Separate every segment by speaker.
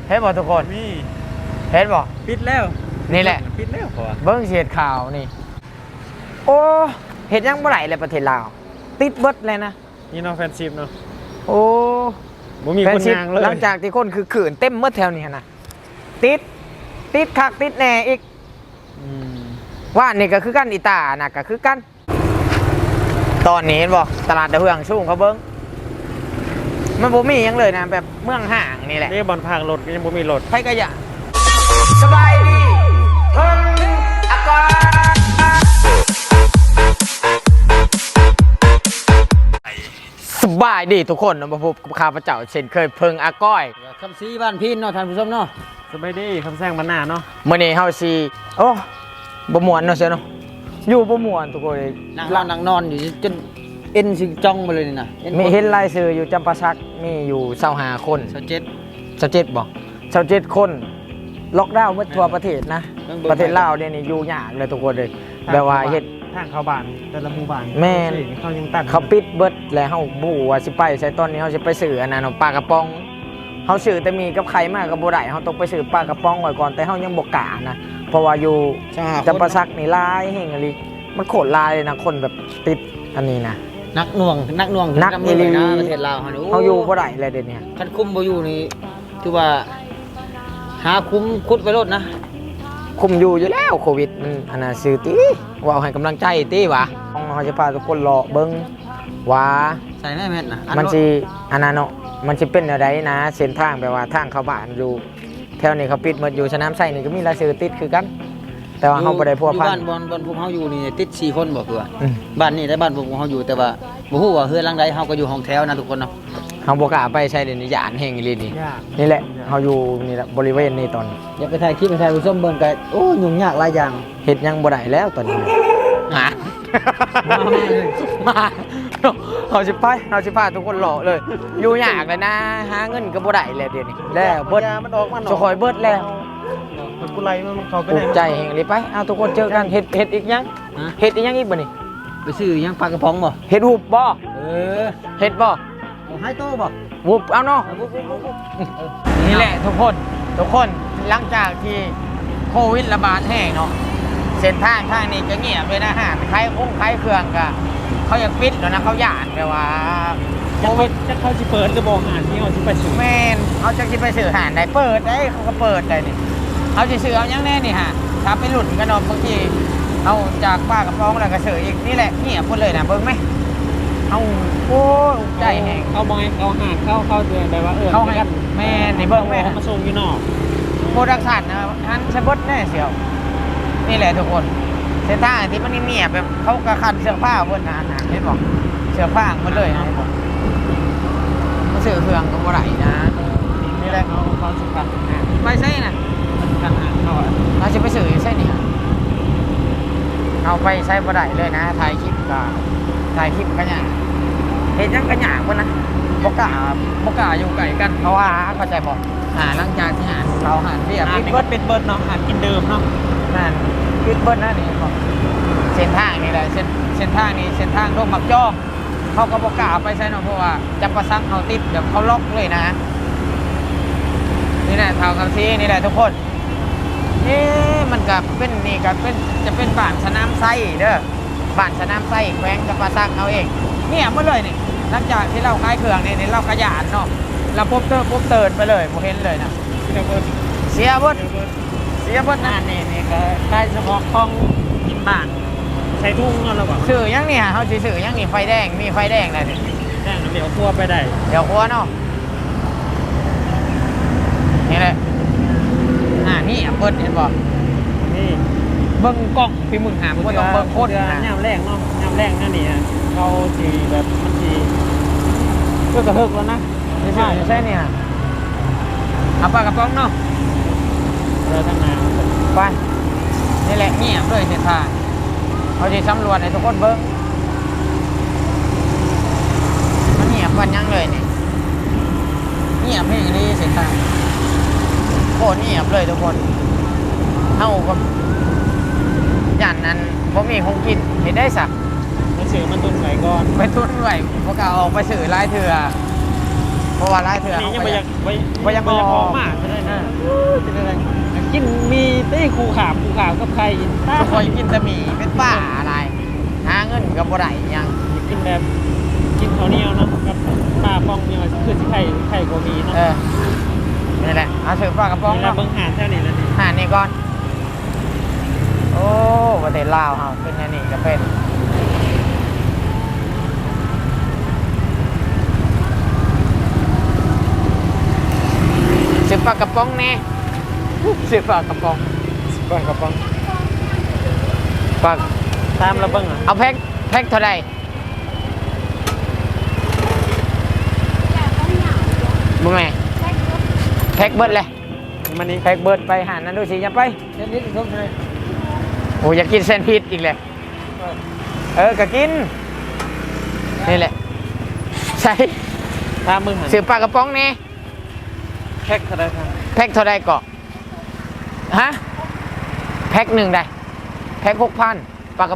Speaker 1: เห็นบ่ทุกคน
Speaker 2: นี่
Speaker 1: เห็นบ่
Speaker 2: ปิดแล้ว
Speaker 1: นี่แหละ
Speaker 2: ปิดแล้วพอ
Speaker 1: เบิ้งเสียดข่าวนี่โอ้เห็นยังเมื่อไหร่เลยประเทศลาวติดเบิดเลยนะ
Speaker 2: นี่เนาะแฟนชิพเนาะ
Speaker 1: โอ้
Speaker 2: บ่มีคนยางเลย
Speaker 1: หลังจากที่คนคือขืนเต็มเมื่อแถวนี้นะติดคักติดแน่อีกว่านี่ก็คือกันอีตานะก็คือกันตอนนี้เห็นบ่ตลาดดาวเฮืองชุ่งเขาเบิ้งมันบ่มีหยังเลยนะแบบเมืองห่างนี่แหละ
Speaker 2: นี่บอลพางรถก็ยังบ่มีรถ
Speaker 1: ไผก็อย่าสบายดีเพิ่นอากาศสบายดีทุกคนนะมาพบกับข้าพเจ้าเช่นเคยเพิงอาก้อย
Speaker 3: คำซีบ้านพี่เนาะท่านผู้ชมเนาะ
Speaker 2: สบายดีคำแซงบรรณาเนาะ
Speaker 1: มื้อนี้เฮาสิโอ้บ่ม่วนเนาะเสียเนาะอยู่บ่ม่วนทุกคนเลย
Speaker 3: นั่งนอนอยู่จนเอ็นสิจ้องไปเลยนี่นะ
Speaker 1: มีเห็นรายชื่ออยู่จำปาสักมีอยู่25คน
Speaker 3: 27
Speaker 1: 27บ่27คนล็อกดาวน์หมดทั่วประเทศนะประเทศลาวเนี่ยนี่อยู่ยากเลยทุกคนเลยแบบว่าเฮ็ด
Speaker 2: ทางเข้าบ้านแต่ละหมู่บ้าน
Speaker 1: แม่น
Speaker 2: เขายังตั้ง
Speaker 1: เขาปิดเบิดแล้วเฮาบ่ฮู้ว่าสิไปใส่ตอนนี้เฮาสิไปซื้ออันนั้นปลากระป๋องเฮาซื้อแต่มีกับไข่มากก็บ่ได้เฮาต้องไปซื้อปลากระป๋องไว้ก่อนแต่เฮายังบ่กล้านะเพราะว่าอยู่จำปาสักนี่หลายแห่งอีหลีมันโคตรหลายเลยนะคนแบบติดอันนี้นะ
Speaker 3: นักหน่วง
Speaker 1: นัก
Speaker 3: เอ
Speaker 1: อีหลี
Speaker 3: นะประเทศลาวเฮานี่
Speaker 1: เฮาอยู่บ่ได้เลยเดี๋ยวนี้
Speaker 3: คันคุมบ่อยู่นี่ถือว่าหาคุมคุดไปรถนะ
Speaker 1: คุมอยู่แล้วโควิดมันอันน่ะซื้อติว่าเอาให้กำลังใจติวะเฮาจะพาทุกคนรอเบิ่งว่า
Speaker 3: ใส่แม่แม่นนะ
Speaker 1: มันสิอันนั้นเนาะมันสิเป็นอะไรนะเส้นทางแบบว่าทางเข้าบ้านอยู่แถวนี้เขาปิดหมดอยู่สนามไส้นี่ก็มีรายชื่อติดคือกันแต่ว่าเฮาบ่ได้พัวพัน
Speaker 3: บ้านบอนพวกเฮาอยู่นี่ติด4คนบ่คือว่า
Speaker 1: อืม
Speaker 3: บ้านนี้ได้บ้านพวกเฮาอยู่แต่ว่าบ่ฮู้ว่าเฮือนหลังใดเฮาก็อยู่ห้องแถวนะทุกคนเนาะ
Speaker 1: เฮาบ่กล้าไปใช้เดยวนี้ย่านแห่งอีหลีนี่
Speaker 2: ยาก
Speaker 1: นี่แหละเฮาอยู่นี่แหละบริเวณนี้ตอนนี้
Speaker 3: อยากไปถ่ายคลิปให้ท่านผู้ชมเบิ่งก็โอ้ยุ่งยากหลายอย่าง
Speaker 1: เฮ็ดหยังบ่ได้แล้วตอนนี้หา
Speaker 3: มาเลย
Speaker 1: มาเฮาสิไปเฮาสิพาทุกคนรอเลย อยู่ยากเลยนะหาเงินก็บ่ได้แล้วเดี๋ยวนี้แล้วเบิด
Speaker 2: ยามันออกมัน
Speaker 1: สคอยเบิดแล้ว
Speaker 2: กุไลมันเข้าไป
Speaker 1: ปลู
Speaker 2: ได้
Speaker 1: กใจแห่งอีหลีไปเอาทุกคนเจอกันเฮ็ดอีกยัง
Speaker 3: ฮะ
Speaker 1: เฮ็ดอีกยังอีกบ่นี่
Speaker 3: ไปซื้อหยังปลากระป๋องบ่
Speaker 1: เฮ็ดหุบบ่
Speaker 3: เออ
Speaker 1: เฮ็ดบ่
Speaker 3: เอาให้โตบ่
Speaker 1: หุบเอาเนาะ
Speaker 3: เอาปุ๊บ
Speaker 1: นี่แหละทุกคนหลังจากที่โควิดระบาดแห้งเนาะเส้นทางนี้ก็เงียบเลยนะฮะขายเครื่องก็เขายังปิดแล้วนะเขาหย่านไปว่าโควิด
Speaker 2: จะเข้าสิเปิดจะบอกอ่านที่เขาสิไปซื้อ
Speaker 1: แมนเขาจะกินไปสื่อหานได้เปิดได้เขาก็เปิดได้นี่เขาจะสื่อเอายังแน่นี่ฮะถ้าไปหลุดกันเนาะบางทีเอาจากป้ากระป๋องแล้วก็สื่ออีกนี่แหละเงียบหมดเลยนะเบิ่งไหมเอาโอ้ยใจแห้ง
Speaker 2: เขามองเขาหาเข้าเดือนแบบว่า
Speaker 1: เขาให้แม่นี่เบิ่งแม่
Speaker 2: เขามาส่งอยู่นอก
Speaker 1: โปรดักชันนะฮันเชเบิร์ตแน่เสียวนี่แหละทุกคนเส้นทางที่มันเงียบแบบเขากระคันเสื้อผ้าบนหนาเห็นบอกเสื้อผ้าหมดเลยนะมันสื่อเครื่องก็บ่ไหลนะ
Speaker 2: นี่แหละเขาสุดกัน
Speaker 1: ไปใช่นะ
Speaker 2: กันหาเขา
Speaker 1: เราจะไปสื่อใช่นี่เอาไปใช้บ่ได้เลยนะถ่ายคลิปกันอย่างเห็นยังกันอย่างคนนะบกล้าอยู่ไกลกันเพราะว่าเข้าใจบอกหลังจากที่เราหารเบี้ย
Speaker 2: อ่าน
Speaker 1: ปิด
Speaker 2: เบิ
Speaker 1: เบิ
Speaker 2: ร์
Speaker 1: ด
Speaker 2: ดเป็นเบิร์ดเนาะอ่านกินเดิมเนาะ
Speaker 1: นั่นปิดเบิดนะนี่บอกเส้นทางนี่แหละเส้นทางนี้เส้นทางโรคหมักจ้องเขาก็บกล้าไปใช่เนาะเพราะว่าจะประซังเขาติดเดี๋ยวเขาล็อกเลยนะนี่แหละทางคำซีนี่แหละทุกคนมันก็เป็นนี่ก็เป็นจะเป็นบ้านสนามไส้เด้อบ้านสนามไส้แขวงจะประซังเอาเองเนี่ยเมื่อเลยนี่หลังจากที่เราขายเครื่องนี่เราขยันเนาะเราปุ๊บเติร์นไปเลยโมเห็นเลยนะเสียเบิดนะ
Speaker 2: นี่ก็ได้เฉพาะของกินบ้านใช้ทุ่งเราบอก
Speaker 1: สื่อยังนี่ฮะเขาสิสื่อยังนี่ไฟแดงมีไฟแดงเลยดิ
Speaker 2: แจ้งเดี๋ยวทั่วไปได้
Speaker 1: เดี๋ยวครัวเนาะนี่แหละนี่เบิดเห็นบ่
Speaker 2: นี่
Speaker 1: เบิ่งกล้องพี่มึงหามก็ต้องเบิ่งโคตร
Speaker 2: ยามแรกเนาะยามแรกนั่นนี่เขาสีแบบมันสีเพื่อกระเฮิกแล้วนะ
Speaker 1: ใช่นี่ฮะเอาปลากระป๋องเนาะ
Speaker 2: เราตั้งนาน
Speaker 1: ไปนี่แหละเงียบด้วยเส้นทางเขาจะสำรวจให้ทุกคนเบิ่งมันเงียบวันยังเลยนี่เงียบให้อย่างนี้เส้นทางโคตรเงียบเลยทุกคนเท่ากับยันนั้นผมมีคงกินเห็นได้สัก
Speaker 2: มันสื่อมันตุนไหวก่อน
Speaker 1: ไปทุนไหวพวกเราออกไปสื่อไล่เถื่อเพราะว่าไล่เถื่อ
Speaker 2: นี่ยังไม่อยาก
Speaker 1: ไปยัง
Speaker 2: พอมากใช่ไหม
Speaker 1: นะ
Speaker 2: กินมีได้คูขามกับไข่
Speaker 1: ทุกคนกินแต่หมี่เป็นป้าอะไรหาเงินกับบ่ได้ยัง
Speaker 2: กินแบบกินข้าวเหนียวเนาะกับปลาป้องเนี่ยคือสิไข่ก็มีเนาะ
Speaker 1: นี่แหละเอาถือปลากระป๋อง
Speaker 2: นี่แหละ
Speaker 1: เนาะ
Speaker 2: เบิ่งหาแถวนี้แล้วนี่
Speaker 1: หานี่ก่อนโอ้ประเทศลาวเฮาเป็นอันนี้ก็เป็นซื้อปลากระป๋องแน่ซื้อปลากระป๋อง
Speaker 2: ปลากระป๋อง
Speaker 1: ปลา
Speaker 2: ตามเราเบิ่งอ่ะ
Speaker 1: เอาแพ็คเท่าไหร่บ่แม่แพ็คเบิดเลย
Speaker 2: มันนี่
Speaker 1: แพ็คเบิดไปหานั่นดูสิอย่าไป
Speaker 2: เส้นนี้ทุกเลย
Speaker 1: โอ้อยากกินแซนด์วิชอีกเลยก็กินนี่แหละใช่
Speaker 2: ตามมึงหัน
Speaker 1: ซื้อปลากระป๋องแน่
Speaker 2: แพ็คเท่าไรครับ
Speaker 1: แพ็คเท่าไรเกาะฮะแพ็คหนึ่งได้แพ็ค6,000ปลากระ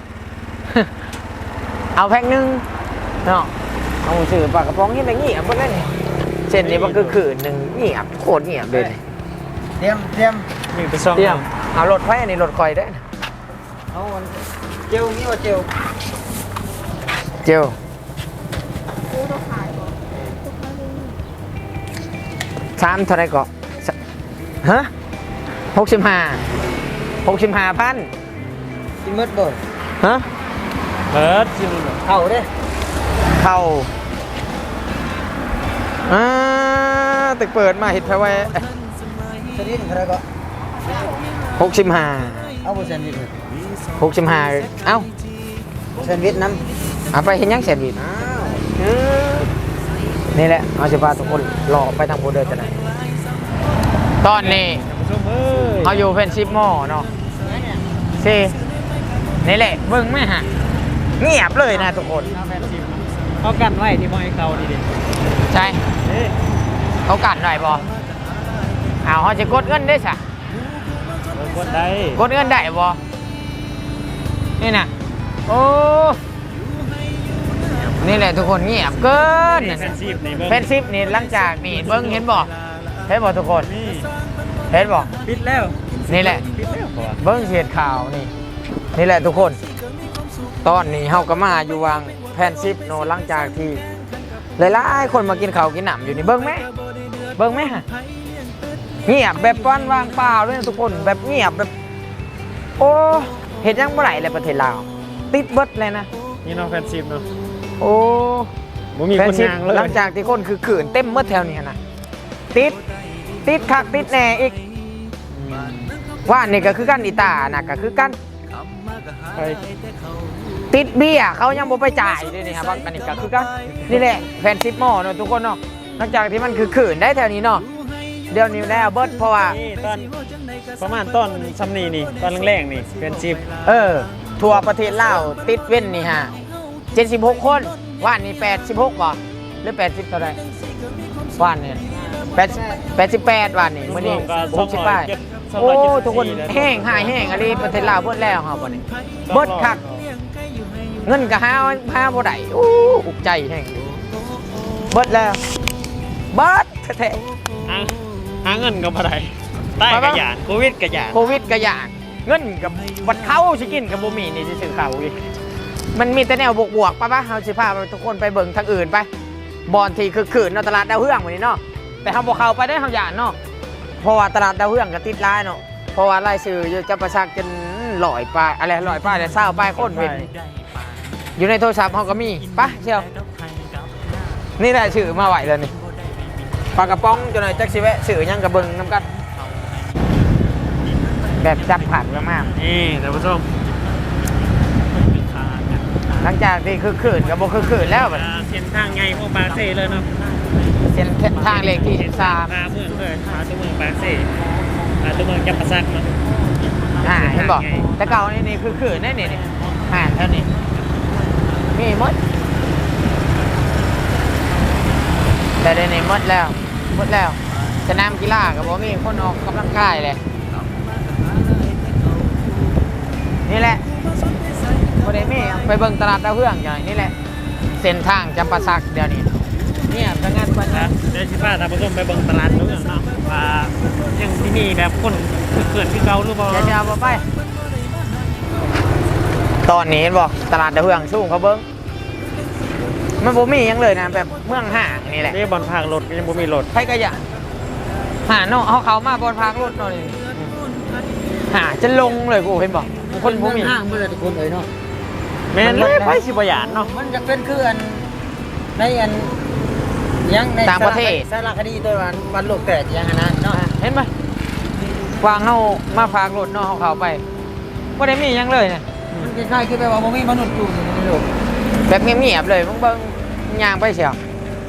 Speaker 1: เอาแพ็คหนึ่งเนาะเอาซื้อปลากระป๋องนี่อะไรเงียบหมดเลยนี่เส้นนี้มันคือคืนหนึ่งเงียบโคตรเงียบเลยนี่
Speaker 3: เตรียม
Speaker 2: มีไปซ่อง
Speaker 1: เตรียมเอารถไฟอันนี้รถคอยได้นะ
Speaker 3: เอามันเจลนี่ว่าเจล
Speaker 1: เจล3เท่าไรเกาะฮะ65,000
Speaker 3: กินมืดบ่
Speaker 1: ฮะ
Speaker 2: เบิร์ดซิม
Speaker 3: เข้าเด้
Speaker 1: เข้าตึกเปิดมาเห็ดแพ้ไว้
Speaker 3: ชนิดเท่าไหร่ก็
Speaker 1: 65
Speaker 3: เอาบ่แซนด์วิช
Speaker 1: 65เอ้า
Speaker 3: แซนด์วิชน้
Speaker 1: เอาไปเห็นยังแสนวิน
Speaker 3: ำอ้าว
Speaker 1: นี่แหละเอาจะพาทุกคนรอไปทางโบเดอร์จะไหนตอนนี้
Speaker 2: ส้มเอ้ย
Speaker 1: เอาอยู่เป็นชิปหม้อเนาะสินี่แหละเบิ่งไหมฮะเงียบเลยนะทุกคน
Speaker 2: เอากันไว้ที่มอยเก่าดี
Speaker 1: ใช่
Speaker 2: ๆนี่
Speaker 1: เขากัดหน่อยบอเอาเขาจะกดเงินได้สะ
Speaker 2: กดได้
Speaker 1: กดเงินได้บอนี่นะโอ้นี่แหละทุกคนเงียบเกิน
Speaker 2: แฟนซีฟนี่
Speaker 1: เฟนซิปนี่หลังจากนี่เบิ้งเห็นบ่เห็นบ่ทุกคน
Speaker 2: นี่
Speaker 1: เห็นบ่
Speaker 2: ปิดแล้ว
Speaker 1: นี่แหละ
Speaker 2: ปิดแล้วก่อน
Speaker 1: เบิ้งเสียดข่าวนี่นี่แหละทุกคน ตอนนี้เฮาก็มาอยู่วางแพนซิปโนหลังจากที่หลายๆคนมากินข้าวกินหนำอยู่นี่เบิ้งไหมเบิ้งไหมฮะเงียบแบบป้อนวางเปล่าเลยนะทุกคนแบบเงียบแบบโอ้เห็นยังเมื่อไหร่เลยประเทศลาวติดเบิดเลยนะ
Speaker 2: นี่เนาะแฟนซีฟเนาะ
Speaker 1: โอ้
Speaker 2: บ่มี
Speaker 1: แฟ
Speaker 2: คน น
Speaker 1: ซิป
Speaker 2: ยางเลย
Speaker 1: หลังจากที่คนคือขืนเต็มเมื่อแถวนี้นะติดคักติดแน่อีกว่านี่ก็คือกันอีตานะก็คือกัน
Speaker 2: ไป
Speaker 1: ติดเบี้ยเขายังบ่ไปจ่ายด้วยนี่ครับอันนี้ก็คือกันนี่แหละแฟนซิปหม้อเนาะทุกคนเนาะหลังจากที่มันคือขืนได้แถวนี้เนาะเดี๋ยวนี้ได้เอาเบิร์ดเพราะว่า
Speaker 2: นี่ตอนประมาณต้นซัมนีนี่ตอนแรกๆนี่แฟนซีฟ
Speaker 1: ทั่วประเทศลาวติดเว้นนี่ฮะ76 คนว่านนี่86บ่หรือ80เท่าไหร่ว่านเนี่ย88ว่านนี่มื้อนี้68โอ้ทุกคนแห้งหายแห้งอะไรประเทศลาวเบิดแล้วครับบ่นี่เบิดคักเงินก็หาบ่ได้โอ้อุกใจแห้งเบิดแล้วเบิดแท้
Speaker 2: หาเงินก็บ่ได้ใต้กระยานโควิดกระยาน
Speaker 1: ๆโควิดก็ยากเงินกับวัดเข้าสิกินกับบ่มีนี่สิซื้อข้าวอีกมันมีแต่แนวบวกๆป่ะเฮาสิพาทุกคนไปเบิ่งทางอื่นไปบอนที่คือขืนเนาะตลาดดาวเฮืองมื้อนี้เนาะแต่เฮาบ่เข้าไปได้เฮาย่านเนาะเพราะว่าตลาดดาวเฮืองก็ติดหลายเนาะเพราะว่ารายชื่อจะประชากจน100ป้ายอะไร100ป้ายแต่20ป้ายคนเว้นอยู่ในโทรศัพท์เฮาก็มีไปเชียวนี่ได้ชื่อมาไหวแล้วนี่ปลากระป๋องจังหน่อยจักสิแวะซื้อหยังก็เบิ่งนํกัน แบบจับผัดมาก
Speaker 2: นี่ท่านผู้ชม
Speaker 1: หลังจากที่คือขืนกับโบคือขืนแล้วแบบ
Speaker 2: เส้นทางใหญ่พวกบาเซ่เลยเนาะ
Speaker 1: เส้นทางเลขที่
Speaker 2: พาเมืองเลยพาตัวเมืองบาเซ่พาตัวเมืองจับประซักเนาะ
Speaker 1: 13เห็นบอกแต่เก่านี่คือขืนได้นี่ห่านเท่านี้มีหมดแต่เดี๋ยวนี้หมดแล้วสนามกีฬากับบ่มีคนออกกำลังกายเลยนี่แหละบ่ได้มีไปเบิ่งตลาดดาวเฮืองอย่างนี่แหละเส้นทางจำปาสักเดี๋ยวนี้เนี่ยเป็นงานวัน
Speaker 2: นะ
Speaker 1: นะ
Speaker 2: เดี๋ยวชิพาท่านผู้ชมไปเบิ่งตลาดนู้นเนาะว่ายังที่นี่แบบคนเขื่อนที่เก่าหรือเปล่า
Speaker 1: อย่าจะเอาไปตอนนี้เห็นบอกตลาดดาวเฮืองสูงเขาเบิ้งมันบ่มีหยังเลยนะแบบเมืองห่างนี่แหละ
Speaker 2: นี่บอลพากรถก็ยังบ่มีรถ
Speaker 1: ใครก็อยากหาเนาะเขามาบนพางรถหน่อยหาจะลงเลยกูเห็นบอกคนบ่มี
Speaker 3: ห้างเมื่อทุกคนเลยเนาะ
Speaker 2: แม่นเลยไปสิบ่หยานเนาะ
Speaker 3: มันจะเป็นคืออันในอันยังใน
Speaker 1: ต่างประเทศ
Speaker 3: สารคดีตัววันโลกแตกยังนะเนาะ
Speaker 1: เห็นไหมวางเขามาพากรถเนาะเขาไปบ่ได้มีหยังเลยเนี่ย
Speaker 3: มันคล้ายๆคือแบบว่าบ่มีมนุษย์อยู่ในโลก
Speaker 1: แบบเงียบๆเลยมึงเบิ่งย่างไปเสียว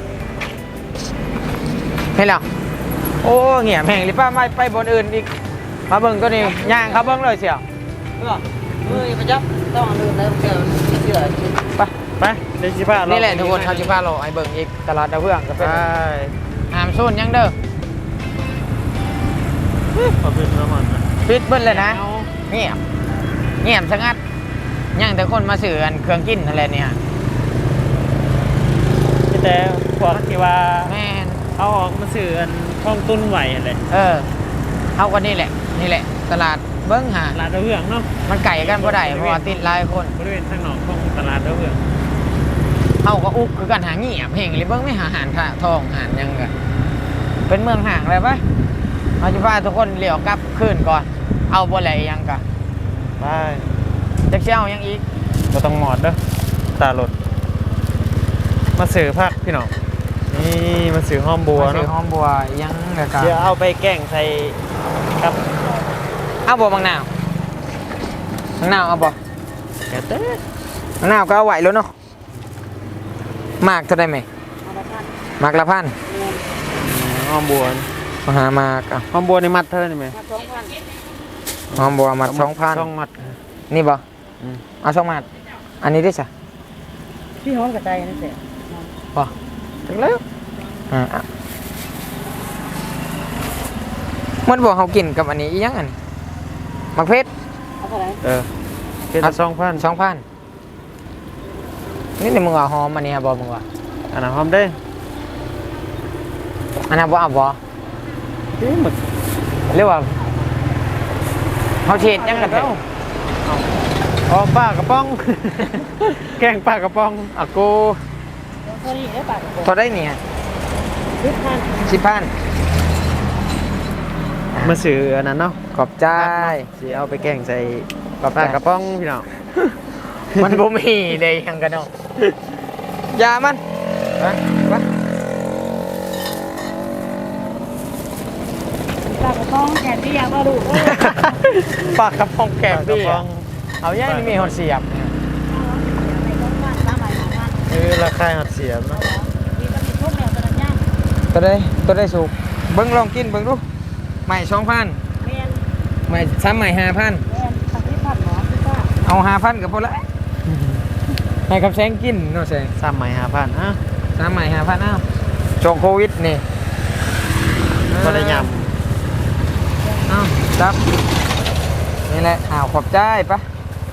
Speaker 1: เห็นแล้วโอ้เงียบแห่งหรือป้าไม่ไปบนอื่นอีกมาเบิ่งก็นี่ย่างเขาเบิ่งเลยเสียว
Speaker 3: เพื่อมือประจับต้องลืมแล้วเชื่อเชื่อ
Speaker 1: ไป
Speaker 2: ไปเดี๋ยวสิพาเรา
Speaker 1: นี่แหละทุกคนเขาจะพาเราไอ้เบิ่งอีกตลาดดาวเฮืองก็
Speaker 2: ไป
Speaker 1: เป็นหามซุนยังเด้อ
Speaker 2: ขอบคุณประมาณนะ
Speaker 1: ปิดเบิ้ลเลยนะ
Speaker 2: เอา
Speaker 1: เงียบเงียบสงัดยังแต่คนมาซื้ออันเครื่องกินอะไรเนี่ย
Speaker 2: มีแต่พวกที่ว่า
Speaker 1: แม่น
Speaker 2: เอาออกมาสื่ออันท่องตุ้นไหวอะไร
Speaker 1: เอากันนี่แหละตลาดเบิ้งหา
Speaker 2: ตลาดดาวเรืองเนาะ
Speaker 1: มันไก่กันบ่ได้เพราะว่าติดหลายคน
Speaker 2: บริเวณทางหนองของตลาดดาวเรือง
Speaker 1: เอาก็อุกคือกันหาเงียบเฮงเลยเบิ้งไม่หาอาหารค่ะทองอาหารยังกันเป็นเมืองห่างเลยปะเอาจะพาทุกคนเลี้ยวกลับคืนก่อน เอาบ่ไหลยังกะ
Speaker 2: ไป
Speaker 1: จะเชี่ยวยังอีก
Speaker 2: เราต้องหมอดเด้อตาหลดมาสื่อพักพี่น้องนี่มาสื่อห้อมบัว
Speaker 1: มาซื้
Speaker 2: เนาะ
Speaker 1: อหอมบัวยังเดี๋ยวกัน
Speaker 2: เดี๋ยวเอาไปแกล้งใส่กับ
Speaker 1: เอาบ่บางนาวบางนาวเอาบ่
Speaker 2: แกเต้
Speaker 1: บางนาวก็เอาไหวแล้วเนาะมากเท่าได้ไหมมากละพัน
Speaker 2: ห้อมบัว
Speaker 1: มาหามากอ่ะ
Speaker 2: ห้อมบัวในมัดเท่านี้ไหม
Speaker 1: หอมบัวมัด2,000
Speaker 2: ช่องมัด
Speaker 1: นี่บ่
Speaker 2: อืม
Speaker 1: เอา2มัดอันนี้ได้จ้ะ
Speaker 3: พี่ฮ้อนกระจายนั่นแหละ
Speaker 1: บ่ถึงแล้วมันบอกเขากินกับอันนี้อีหยังอันมักเพชร
Speaker 3: เอาเท่าไหร่
Speaker 2: เป็น2,000
Speaker 1: 2,000นี่มึงว่าหอมอันนี้บ่มึงว่า
Speaker 2: อันนั้นหอมได้
Speaker 1: อันนั้นบ่เอาบ่
Speaker 2: ที่หมึก
Speaker 1: หรือว่าเขาเช็ดยังกันเถอะ
Speaker 2: หอมปลากระป๋อง แกงปลากระป๋อง
Speaker 1: อ่ะกู
Speaker 3: เท่านี้ได้ปากกระ
Speaker 1: พอได้เนี่ย
Speaker 3: 10,000
Speaker 1: 10,000
Speaker 2: มาสื่ออันนั้นเนาะ
Speaker 1: ขอบใจ
Speaker 2: สิเอาไปแกงใส่
Speaker 1: ขอบ
Speaker 2: ป
Speaker 1: ใจ
Speaker 2: ลากระป๋องพี่น้อง
Speaker 1: มันบ่มีเลยยังกันเนาะยามันไป
Speaker 3: ปากกระป๋องแกนที่อยากมาดู
Speaker 1: ปากกระป๋องแกง
Speaker 2: ปลากระ
Speaker 1: พี่
Speaker 2: ป๋อง
Speaker 1: เอาย่างนี่มีหอดเสียบ
Speaker 2: คือราคาหัดเสียบเนาะ
Speaker 1: ตัวได้สุกเบิ้งลองกินเบิ้งดูใหม่2,000ใหม่ซ้ำใหม่5,000เอา5,000กับพอละให้กับแซงกินเนาะแซง
Speaker 2: 3ใหม่5,000อ่ะ
Speaker 1: ซ้ำใหม่5,000อ้าวช่วงโควิดนี่
Speaker 2: บ่ได้ย
Speaker 1: อ้าวจับนี่แหละอ้าวขอบใจปะ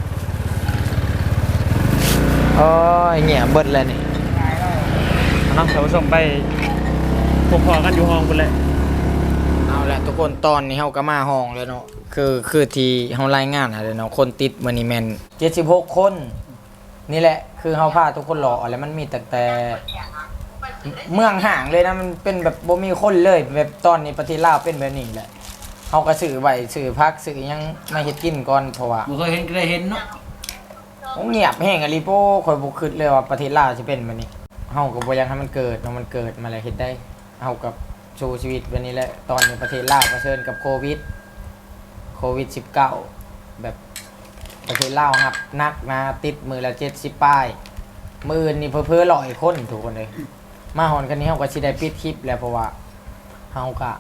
Speaker 1: โอ้ยเงียบเบิดเลยนี่
Speaker 2: ำเนาะเดี๋ยวส่งไปพบพอกันอยู่ห้องคุณเลย
Speaker 1: เอาละทุกคนตอนนี้เฮาก็มาห้องแล้วเนาะคือที่เฮารายงานอะไรเนาะคนติดมื้อนี้แม่น76 คน นี่แหละคือเฮาพาทุกคนรอแล้วมันมีแต่เมืองห่างเลยนะมันเป็นแบบบ่มีคนเลยแบบตอนนี้ประเทศลาวเป็นแบบนี้แหละเฮาก็ซื้อไว้ซื้อพักซื้อหยังมาเฮ็ดกินก่อนเพราะว่า
Speaker 3: บ่เคยเห็นก็ได้เห็นเนาะ
Speaker 1: เงียบแห้งอะลิโป้ข่อยบ่คิดเลยว่าประเทศลาวสิเป็นแบบนี้เฮาก็บ่อยากให้มันเกิดเนาะมันเกิดมาแล้วเฮ็ดได้เฮากับสู้ชีวิตแบบนี้แหละตอนนี้ประเทศลาวเผชิญกับโควิด 19แบบประเทศลาวครับนักนะติดมือละ70ป้ายมื้ออื่นนี่เพ้อๆ100คนทุกคนเลยมาฮอนกันนี้เฮาก็สิได้ปิดคลิปแล้วเพราะว่าเฮาก็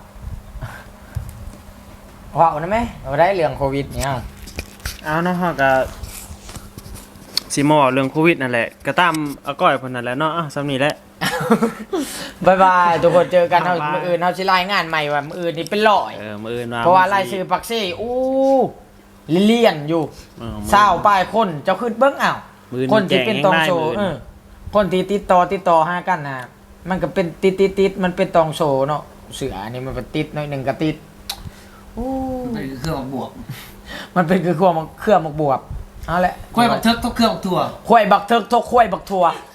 Speaker 1: ว้าวนะแม่เอาได้เรื่องโควิดเนี่ย
Speaker 2: เอาเนาะฮะก็สิมาบอกเรื่องโควิดนั่นแหละก็ตามอาก้อยเพิ่นนั่นแหละเนาะอ่ะสำนี้แหละ
Speaker 1: บายบายทุกคนเจอกัน
Speaker 2: บ๊ายบาย
Speaker 1: มื้ออื่นเฮาสิรายงานใหม่ว่ามื้ออื่นนี่เป็นร้อย
Speaker 2: มื้ออื่น
Speaker 1: เพราะว่ารายชื่อปักซี่อู้เลี่ยนอยู่
Speaker 2: มื้อ
Speaker 1: เศร้าป้ายคนเจ้าขึ้นเบิ้งอ้าว
Speaker 2: มื้อ
Speaker 1: คนที่เป็นตองโช
Speaker 2: มื้ออื่น
Speaker 1: คนที่ติดต่อหากันนะมันก็เป็นติดมันเป็นตองโชเนาะเสือนี่มันเป็นติดหน่อยหนึ่งก็ติด
Speaker 3: เป็นเครื่องบวก
Speaker 1: มันเป็นคือเครื่องมักบวบเอาละ
Speaker 3: กล้วยบักเทิกก็เครื่องถั่ว
Speaker 1: ควายบักเทิกทกควายบักทัว